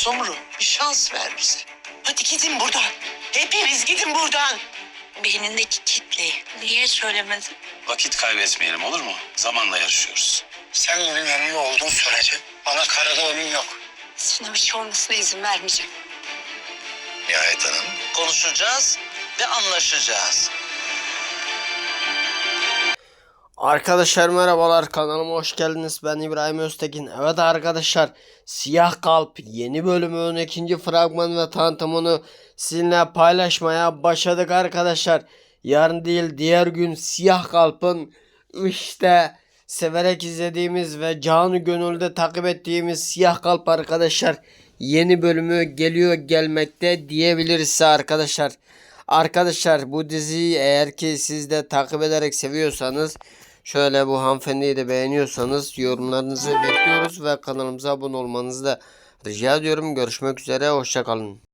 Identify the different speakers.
Speaker 1: Sumru, bir şans ver bize. Hadi gidin buradan. Hepiniz gidin buradan.
Speaker 2: Beynindeki kitle. Niye söylemedin?
Speaker 3: Vakit kaybetmeyelim, olur mu? Zamanla yarışıyoruz.
Speaker 4: Sen benim yanımda olduğun sürece bana karada ölüm yok.
Speaker 2: Sana bir şey olmasına izin vermeyeceğim.
Speaker 4: Nihayet Hanım.
Speaker 1: Konuşacağız ve anlaşacağız.
Speaker 5: Arkadaşlar merhabalar, kanalıma hoş geldiniz. Ben İbrahim Öztekin. Evet arkadaşlar, Siyah Kalp yeni bölümün ikinci fragman ve tanıtımını sizinle paylaşmaya başladık arkadaşlar. Yarın değil diğer gün Siyah Kalp'ın işte severek izlediğimiz ve canı gönülde takip ettiğimiz Siyah Kalp arkadaşlar yeni bölümü geliyor, gelmekte diyebiliriz size arkadaşlar. Arkadaşlar bu diziyi eğer ki siz de takip ederek seviyorsanız, şöyle bu hanımefendiyi de beğeniyorsanız yorumlarınızı bekliyoruz ve kanalımıza abone olmanızı da rica ediyorum. Görüşmek üzere, hoşça kalın.